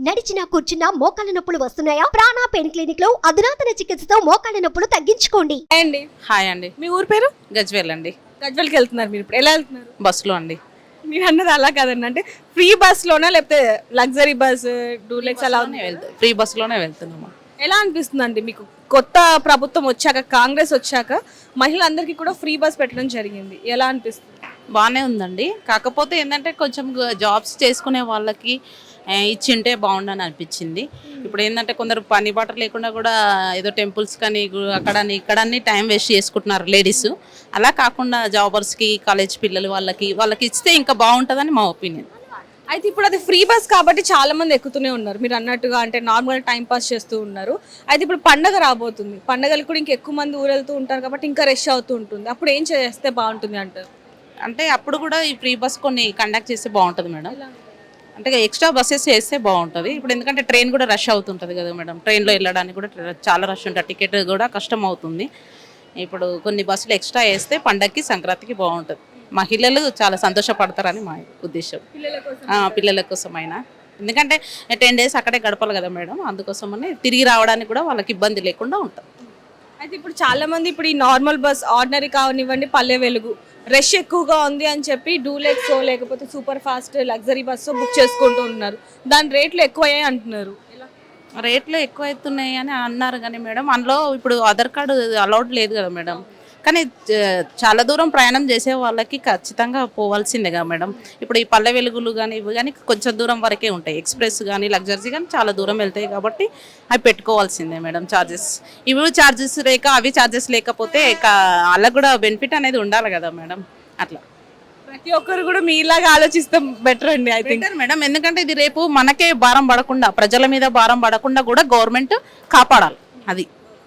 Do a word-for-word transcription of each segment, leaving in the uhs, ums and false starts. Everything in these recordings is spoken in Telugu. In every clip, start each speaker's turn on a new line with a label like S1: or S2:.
S1: నడిచినా కూర్చున్నా మోకాళ్ళ నొప్పులు వస్తున్నాయా? ప్రాణ పెయిన్ క్లినిక్ లో అధునాతన చికిత్సతో మోకాళ్ళ నొప్పులు తగ్గించుకోండి.
S2: అండి
S3: హాయ్ అండి.
S2: మీ ఊరు పేరు?
S3: గజ్వేల్ అండి.
S2: గజ్వెల్కి వెళ్తున్నారు మీరు ఇప్పుడు? ఎలా వెళ్తున్నారు?
S3: బస్సులో అండి.
S2: మీరు అన్నది అలా కాదండి, అంటే ఫ్రీ బస్ లోనా లేకపోతే లగ్జరీ బస్ డూలెక్స్ అలా ఉంది?
S3: ఫ్రీ బస్సులోనే వెళ్తున్నాము.
S2: ఎలా అనిపిస్తుందండి మీకు? కొత్త ప్రభుత్వం వచ్చాక, కాంగ్రెస్ వచ్చాక మహిళలందరికీ కూడా ఫ్రీ బస్ పెట్టడం జరిగింది, ఎలా అనిపిస్తుంది?
S3: బాగానే ఉందండి. కాకపోతే ఏంటంటే కొంచెం జాబ్స్ చేసుకునే వాళ్ళకి ఆ, ఇచ్చింటే బాగుండని అనిపించింది. ఇప్పుడు ఏంటంటే కొందరు పని బాట లేకుండా కూడా ఏదో టెంపుల్స్ కానీ అక్కడ ఇక్కడ టైం వేస్ట్ చేసుకుంటున్నారు లేడీస్. అలా కాకుండా జాబర్స్కి, కాలేజ్ పిల్లలు వాళ్ళకి వాళ్ళకి ఇస్తే ఇంకా బాగుంటుందని మా ఒపీనియన్.
S2: అయితే ఇప్పుడు అది ఫ్రీ బస్ కాబట్టి చాలా మంది ఎక్కుతూనే ఉన్నారు మీరు అన్నట్టుగా, అంటే నార్మల్ టైం పాస్ చేస్తూ ఉన్నారు. అయితే ఇప్పుడు పండగ రాబోతుంది, పండగలు కూడా ఇంకా ఎక్కువ మంది ఊరెళ్తూ ఉంటారు కాబట్టి ఇంకా రష్ అవుతూ ఉంటుంది. అప్పుడు ఏం చేస్తే బాగుంటుంది అంటారు?
S3: అంటే అప్పుడు కూడా ఈ ఫ్రీ బస్ కొన్ని కండక్ట్ చేస్తే బాగుంటుంది మేడం. అంటే ఎక్స్ట్రా బస్సెస్ చేస్తే బాగుంటుంది. ఇప్పుడు ఎందుకంటే ట్రైన్ కూడా రష్ అవుతుంటుంది కదా మేడం. ట్రైన్లో వెళ్ళడానికి కూడా చాలా రష్ ఉంటుంది, టికెట్ కూడా కష్టం అవుతుంది. ఇప్పుడు కొన్ని బస్సులు ఎక్స్ట్రా వేస్తే పండగకి, సంక్రాంతికి బాగుంటుంది. మహిళలు చాలా సంతోషపడతారని మా ఉద్దేశం, పిల్లల కోసమైనా. ఎందుకంటే టెన్ డేస్ అక్కడే గడపాలి కదా మేడం, అందుకోసమని తిరిగి రావడానికి కూడా వాళ్ళకి ఇబ్బంది లేకుండా ఉంటుంది.
S2: అయితే ఇప్పుడు చాలా మంది ఇప్పుడు ఈ నార్మల్ బస్, ఆర్డినరీ కావనివ్వండి, పల్లె వెలుగు, రష్ ఎక్కువగా ఉంది అని చెప్పి డూలెక్స్ లేకపోతే super fast luxury bus book చేసుకుంటూ ఉన్నారు. దాని రేట్లు ఎక్కువయ్యాయి అంటున్నారు.
S3: రేట్లు ఎక్కువ అవుతున్నాయి అని అన్నారు కానీ మేడం, అందులో ఇప్పుడు ఆధార్ కార్డు అలౌడ్ లేదు కదా మేడం. కానీ చాలా దూరం ప్రయాణం చేసే వాళ్ళకి ఖచ్చితంగా పోవాల్సిందే కదా మేడం. ఇప్పుడు ఈ పల్లె వెలుగులు కానీ ఇవి కానీ కొంచెం దూరం వరకే ఉంటాయి. ఎక్స్ప్రెస్ కానీ లగ్జరీ కానీ చాలా దూరం వెళ్తాయి కాబట్టి అవి పెట్టుకోవాల్సిందే మేడం ఛార్జెస్. ఇవి ఛార్జెస్ లేక అవి ఛార్జెస్ లేకపోతే వాళ్ళకు కూడా బెనిఫిట్ అనేది ఉండాలి కదా మేడం. అట్లా
S2: ప్రతి ఒక్కరు కూడా మీలాగా ఆలోచిస్తాం బెటర్ అండి ఐ థింక్
S3: మేడం. ఎందుకంటే ఇది రేపు మనకే భారం పడకుండా, ప్రజల మీద భారం పడకుండా కూడా గవర్నమెంట్ కాపాడాలి. అది.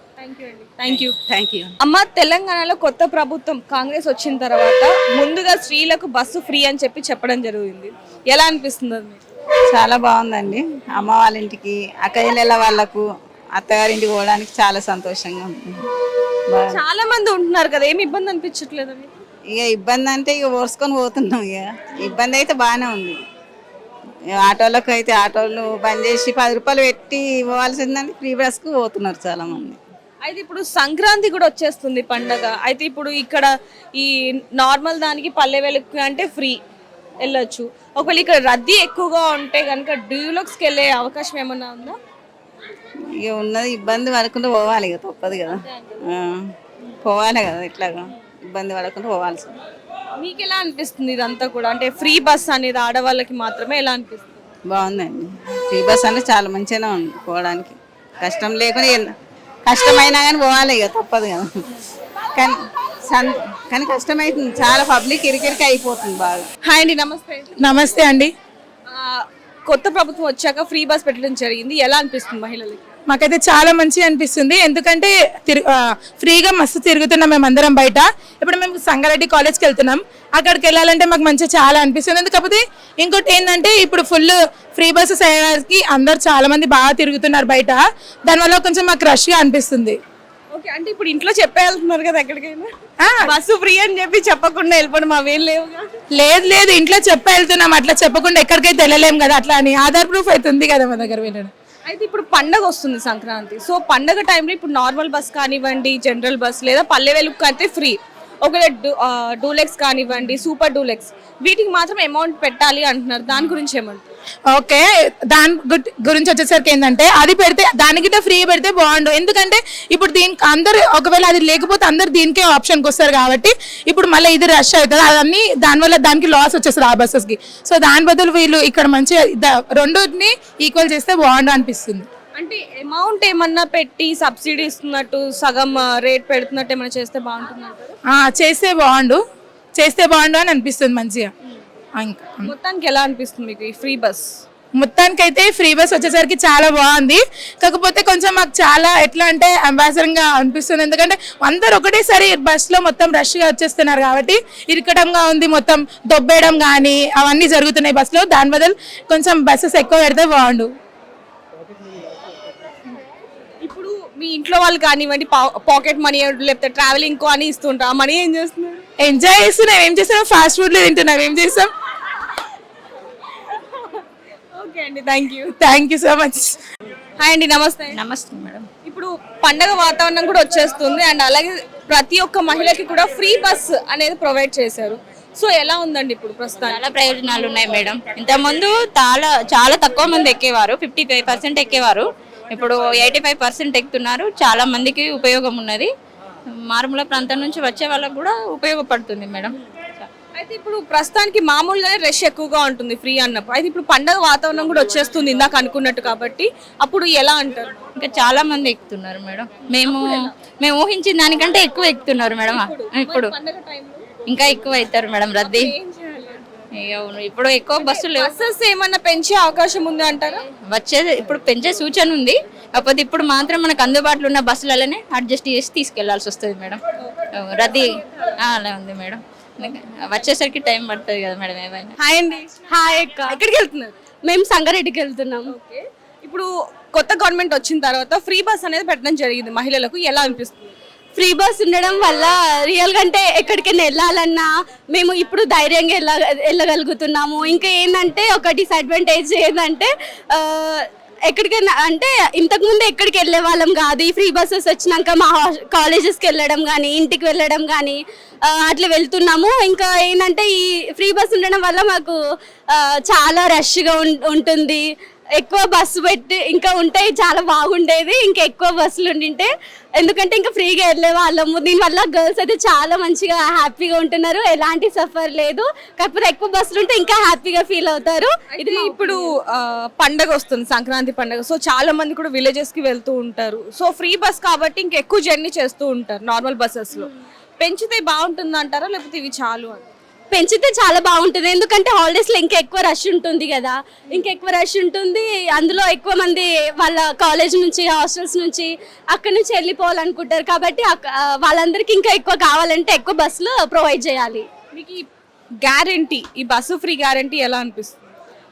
S2: Thank you.
S3: Thank you.
S2: అమ్మ, తెలంగాణలో కొత్త ప్రభుత్వం కాంగ్రెస్ వచ్చిన తర్వాత ముందుగా స్త్రీలకు బస్సు ఫ్రీ అని చెప్పి చెప్పడం జరిగింది. ఎలా అనిపిస్తుంది మీకు?
S4: చాలా బాగుందండి. అమ్మ వాళ్ళ ఇంటికి, అక్కయ్యల వాళ్ళకు, అత్తగారింటికి పోవడానికి చాలా సంతోషంగా ఉంది.
S2: చాలా మంది ఉంటున్నారు కదా, ఏమి ఇబ్బంది అనిపించట్లేదు?
S4: ఇక ఇబ్బంది అంటే ఇక ఓర్చుకొని పోతున్నాం. ఇక ఇబ్బంది అయితే బాగానే ఉంది. ఆటోలకు అయితే ఆటోలు బంద్ చేసి పది రూపాయలు పెట్టి పోవాల్సిందని ఫ్రీ బస్కు పోతున్నారు చాలా మంది.
S2: అయితే ఇప్పుడు సంక్రాంతి కూడా వచ్చేస్తుంది పండగ. అయితే ఇప్పుడు ఇక్కడ ఈ నార్మల్ దానికి పల్లె వెలుగు అంటే ఫ్రీ వెళ్ళొచ్చు. ఒకవేళ ఇక్కడ రద్దీ ఎక్కువగా ఉంటే కనుక డ్యూలక్స్కి వెళ్ళే అవకాశం ఏమన్నా ఉందా?
S4: ఇక ఉన్నది ఇబ్బంది పడకుండా పోవాలి, ఇక తప్పదు కదా, పోవాలి కదా. ఇట్లాగా ఇబ్బంది పడకుండా పోవాల్సింది.
S2: మీకు ఎలా అనిపిస్తుంది ఇదంతా కూడా? అంటే ఫ్రీ బస్ అనేది ఆడవాళ్ళకి మాత్రమే ఎలా అనిపిస్తుంది?
S4: బాగుందండి. ఫ్రీ బస్ అనేది చాలా మంచిగానే ఉంది పోవడానికి. కష్టం లేకుండా, కష్టమైనా కానీ పోవాలి, ఇక తప్పదు కదా. కానీ సన్ కానీ కష్టమవుతుంది, చాలా పబ్లిక్ ఇరికిరికి అయిపోతుంది బాగా.
S2: హాయ్ అండి, నమస్తే.
S5: నమస్తే అండి.
S2: కొత్త ప్రభుత్వం వచ్చాక ఫ్రీ బస్ పెట్టడం జరిగింది, ఎలా అనిపిస్తుంది మహిళలకి?
S5: మాకైతే చాలా మంచిగా అనిపిస్తుంది. ఎందుకంటే ఫ్రీగా మస్తు తిరుగుతున్నాం మేము అందరం బయట. ఇప్పుడు మేము సంగారెడ్డి కాలేజ్కి వెళ్తున్నాం, అక్కడికి వెళ్ళాలంటే మాకు మంచిగా చాలా అనిపిస్తుంది. కాకపోతే ఇంకోటి ఏంటంటే ఇప్పుడు ఫుల్ ఫ్రీ బస్సెస్ అయ్యేకి అందరు చాలా మంది బాగా తిరుగుతున్నారు బయట, దానివల్ల కొంచెం మాకు రష్గా అనిపిస్తుంది.
S2: ఓకే, అంటే ఇప్పుడు ఇంట్లో చెప్పే వెళ్తున్నారు కదా ఎక్కడికైనా, బస్సు ఫ్రీ అని చెప్పి చెప్పకుండా వెళ్ళిపోవడం అవేం లేవుగా?
S5: లేదు లేదు, ఇంట్లో చెప్పి వెళ్తున్నాం. అట్లా చెప్పకుండా ఎక్కడికైతే వెళ్ళలేము కదా, అట్లా అని ఆధార్ ప్రూఫ్ అయితే ఉంది కదా మా దగ్గర వెళ్ళడం.
S2: అయితే ఇప్పుడు పండగ వస్తుంది సంక్రాంతి, సో పండగ టైంలో ఇప్పుడు నార్మల్ బస్ కానివ్వండి, జనరల్ బస్ లేదా పల్లె వెలుగు అయితే ఫ్రీ, ఒకవేళ డూలెక్స్ కానివ్వండి, సూపర్ డూలెక్స్, వీటికి మాత్రం అమౌంట్ పెట్టాలి అంటున్నారు. దాని గురించి ఏమంటారు?
S5: ఓకే, దాని గురించి వచ్చేసరికి ఏంటంటే అది పెడితే దానికి ఫ్రీ పెడితే బాగుండు. ఎందుకంటే ఇప్పుడు దీనికి అందరు ఒకవేళ అది లేకపోతే అందరు దీనికే ఆప్షన్కి వస్తారు కాబట్టి ఇప్పుడు మళ్ళీ ఇది రష్ అవుతుంది, అదన్నీ దానివల్ల దానికి లాస్ వచ్చేస్తుంది ఆ బస్సెస్కి. సో దాని బదులు వీళ్ళు ఇక్కడ మంచిగా రెండుని ఈక్వల్ చేస్తే బాగుండు అనిపిస్తుంది.
S2: అంటే అమౌంట్ ఏమన్నా పెట్టి సబ్సిడీ ఇస్తున్నట్టు సగం రేట్ పెడుతున్నట్టు ఏమైనా చేస్తే బాగుంటుంది?
S5: చేస్తే బాగుండు, చేస్తే బాగుండు అని అనిపిస్తుంది మంచిగా. ఇంకా
S2: మొత్తానికి ఎలా అనిపిస్తుంది మీకు ఈ ఫ్రీ బస్?
S5: మొత్తానికి అయితే ఫ్రీ బస్ వచ్చేసరికి చాలా బాగుంది. కాకపోతే కొంచెం మాకు చాలా ఎట్లా అంటే అంబాసిడర్గా అనిపిస్తుంది. ఎందుకంటే అందరు ఒకటేసారి బస్సులో మొత్తం రష్గా వచ్చేస్తున్నారు కాబట్టి ఇరకటంగా ఉంది, మొత్తం దొబ్బేయడం కానీ అవన్నీ జరుగుతున్నాయి బస్సులో. దాని బదులు కొంచెం బస్సెస్ ఎక్కువ పెడితే బాగుండు.
S2: ఇప్పుడు మీ ఇంట్లో వాళ్ళు కానివ్వండి పాకెట్ మనీ లేకపోతే ట్రావెలింగ్ కో అని ఇస్తుంటారు, ఆ మనీ ఏం చేస్తున్నారు?
S5: ఎంజాయ్ చేస్తున్నాం. ఏం చేస్తున్నాం? ఫాస్ట్ ఫుడ్లు తింటున్నాం. ఏం చేస్తాం?
S2: ఓకే అండి, thank you.
S5: Thank you so much.
S2: Hi అండి, నమస్తే.
S6: నమస్తే మేడం.
S2: ఇప్పుడు పండగ వాతావరణం కూడా వచ్చేస్తుంది అండ్ అలాగే ప్రతి ఒక్క మహిళకి కూడా ఫ్రీ బస్ అనేది ప్రొవైడ్ చేశారు. సో ఎలా ఉందండి ఇప్పుడు ప్రస్తుతం?
S6: చాలా ప్రయోజనాలు ఉన్నాయి మేడం. ఇంతకుముందు చాలా చాలా తక్కువ మంది ఎక్కేవారు, ఫిఫ్టీ ఫైవ్ పర్సెంట్ ఎక్కేవారు. ఇప్పుడు ఎయిటీ ఫైవ్ పర్సెంట్ ఎక్కుతున్నారు. చాలా మందికి ఉపయోగం ఉన్నది. మారుమూల ప్రాంతం నుంచి వచ్చే వాళ్ళకు కూడా ఉపయోగపడుతుంది మేడం.
S2: అయితే ఇప్పుడు ప్రస్తుతానికి మామూలుగానే రష్ ఎక్కువగా ఉంటుంది ఫ్రీ అన్నప్పుడు. అయితే ఇప్పుడు పండగ వాతావరణం కూడా వచ్చేస్తుంది ఇందాక అనుకున్నట్టు, కాబట్టి అప్పుడు ఎలా అంటారు?
S6: ఇంకా చాలా మంది ఎక్కుతున్నారు మేడం. మేము మేము ఊహించిన దానికంటే ఎక్కువ ఎక్కుతున్నారు మేడం. ఇప్పుడు
S2: పండగ టైంలో
S6: ఇంకా ఎక్కువ అవుతారు మేడం రద్దీ. ఇక అవును, ఇప్పుడు ఎక్కువ బస్సులు లేవు.
S2: బస్సెస్ ఏమన్నా పెంచే అవకాశం ఉంది అంటారా?
S6: వచ్చేది ఇప్పుడు పెంచే సూచన ఉంది. కాకపోతే ఇప్పుడు మాత్రం మనకు అందుబాటులో ఉన్న బస్సులలోనే అడ్జస్ట్ చేసి తీసుకెళ్లాల్సి వస్తుంది మేడం. రద్దీ ఆ, అలా ఉంది మేడం. వచ్చేసరికి టైం పడుతుంది కదా మేడం ఏమైనా.
S2: హాయ్ అండి.
S7: హాయ్ అక్క.
S2: ఎక్కడికి వెళ్తున్నారు?
S7: మేము సంగారెడ్డికి వెళ్తున్నాం.
S2: ఓకే. ఇప్పుడు కొత్త గవర్నమెంట్ వచ్చిన తర్వాత ఫ్రీ బస్ అనేది పెట్టడం జరిగింది మహిళలకు, ఎలా అనిపిస్తుంది?
S7: ఫ్రీ బస్ ఉండడం వల్ల రియల్ గా అంటే ఎక్కడికైనా వెళ్ళాలన్నా మేము ఇప్పుడు ధైర్యంగా వెళ్ళ వెళ్ళగలుగుతున్నాము. ఇంకా ఏంటంటే ఒక డిసడ్వాంటేజ్ ఏంటంటే ఆ, ఎక్కడికైనా అంటే ఇంతకుముందు ఎక్కడికి వెళ్ళే వాళ్ళం కాదు. ఈ ఫ్రీ బస్సెస్ వచ్చినాక మా కాలేజెస్కి వెళ్ళడం కానీ ఇంటికి వెళ్ళడం కానీ అట్లా వెళ్తున్నాము. ఇంకా ఏంటంటే ఈ ఫ్రీ బస్ ఉండడం వల్ల మాకు ఆ, చాలా రష్గా ఉంటుంది. ఎక్కువ బస్సు పెట్టి ఇంకా ఉంటే చాలా బాగుండేది, ఇంకా ఎక్కువ బస్సులు ఉండింటే. ఎందుకంటే ఇంకా ఫ్రీగా వెళ్ళే వాళ్ళము. దీనివల్ల గర్ల్స్ అయితే చాలా మంచిగా హ్యాపీగా ఉంటున్నారు, ఎలాంటి సఫర్ లేదు. కాకపోతే ఎక్కువ బస్సులు ఉంటే ఇంకా హ్యాపీగా ఫీల్ అవుతారు.
S2: ఇది ఇప్పుడు ఆ, పండగ వస్తుంది, సంక్రాంతి పండగ. సో చాలా మంది కూడా విలేజెస్ కి వెళ్తూ ఉంటారు. సో ఫ్రీ బస్ కాబట్టి ఇంకా ఎక్కువ జర్నీ చేస్తూ ఉంటారు నార్మల్ బస్సెస్ లో. పెంచితే బాగుంటుంది అంటారా, లేకపోతే ఇవి చాలు అని?
S7: పెంచితే చాలా బాగుంటుంది. ఎందుకంటే హాలిడేస్లో ఇంకా ఎక్కువ రష్ ఉంటుంది కదా, ఇంకా ఎక్కువ రష్ ఉంటుంది. అందులో ఎక్కువ మంది వాళ్ళ కాలేజ్ నుంచి హాస్టల్స్ నుంచి అక్కడి నుంచి వెళ్ళిపోవాలనుకుంటారు. కాబట్టి అక్క- ఆ, వాళ్ళందరికీ ఇంకా ఎక్కువ కావాలంటే ఎక్కువ బస్సులు ప్రొవైడ్ చేయాలి.
S2: మీకు ఈ గ్యారంటీ, ఈ బస్సు ఫ్రీ గ్యారంటీ ఎలా అనిపిస్తుంది?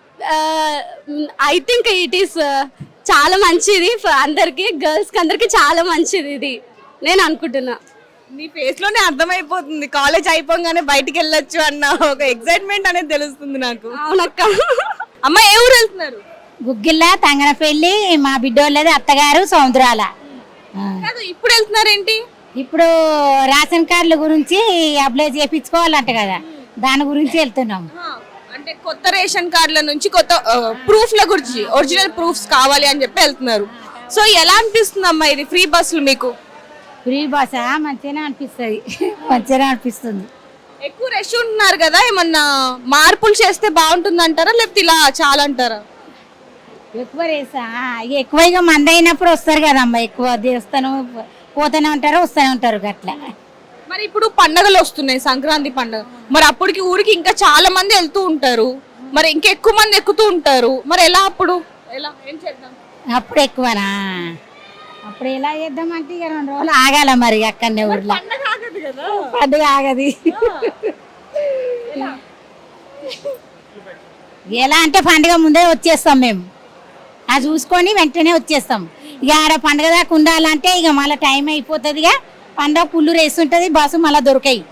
S7: ఐ థింక్ ఇట్ ఈస్ చాలా మంచిది ఫ- అందరికీ, గర్ల్స్కి అందరికీ చాలా మంచిది ఇది నేను అనుకుంటున్నా.
S2: నీ ఫేస్ లోనే అర్థమైపోతుంది కాలేజ్ అయిపోగానే బయటికి వెళ్ళొచ్చు అన్న ఒక ఎక్సైట్మెంట్ అనేది తెలుస్తుంది నాకు.
S7: అవునక్క.
S2: అమ్మ ఏ ఊరు వెళ్తున్నారు?
S8: గుగ్గిళ్ళ తంగనపల్లి మా బిడ్డోళ్ళది అత్తగారు సముద్రాల.
S2: కాదు, ఇప్పుడు వెళ్తున్నారేంటి?
S8: ఇప్పుడు రేషన్ కార్డుల గురించి అప్లై చేయించుకోవాలంట కదా, దాని గురించి వెళ్తున్నాం.
S2: ఆ, అంటే కొత్త రేషన్ కార్డుల నుంచి కొత్త ప్రూఫ్ల గురించి ఒరిజినల్ ప్రూఫ్స్ కావాలి అని చెప్పి వెళ్తున్నారు. సో ఎలా అనిపిస్తుంది అమ్మా ఇది ఫ్రీ బస్సులు మీకు?
S8: ఫ్రీ బస్ మంచిగానే అనిపిస్తుంది, మంచిగానే అనిపిస్తుంది.
S2: ఎక్కువ రష్ ఉంటున్నారు కదా, ఏమన్నా మార్పులు చేస్తే బాగుంటుంది అంటారా, లేకపోతే ఇలా చాలా అంటారా?
S8: ఎక్కువ రేసా ఇక ఎక్కువ ఇక మంది అయినప్పుడు వస్తారు కదమ్మా, ఎక్కువ దేవస్థానం పోతూనే ఉంటారు వస్తూనే ఉంటారు అట్లా.
S2: మరి ఇప్పుడు పండగలు వస్తున్నాయి, సంక్రాంతి పండగ. మరి అప్పటికి ఊరికి ఇంకా చాలా మంది వెళ్తూ ఉంటారు, మరి ఇంకా ఎక్కువ మంది ఎక్కుతూ ఉంటారు. మరి ఎలా అప్పుడు ఎలా ఏం చేద్దాం?
S8: అప్పుడు ఎక్కువనా? అప్పుడు ఎలా చేద్దామంటే ఇక రెండు రోజులు ఆగాల మరి అక్కడనే ఊర్లో.
S2: పండగ ఆగదు కదా.
S8: పండుగ ఆగది. ఎలా అంటే పండుగ ముందే వచ్చేస్తాం మేము, అది చూసుకొని వెంటనే వచ్చేస్తాం. ఇక ఆడ పండుగ దాకా ఉండాలంటే ఇక మళ్ళీ టైం అయిపోతుంది. ఇక పండుగ పుల్లు రేస్తుంటుంది, బస్సు మళ్ళీ దొరకాయి.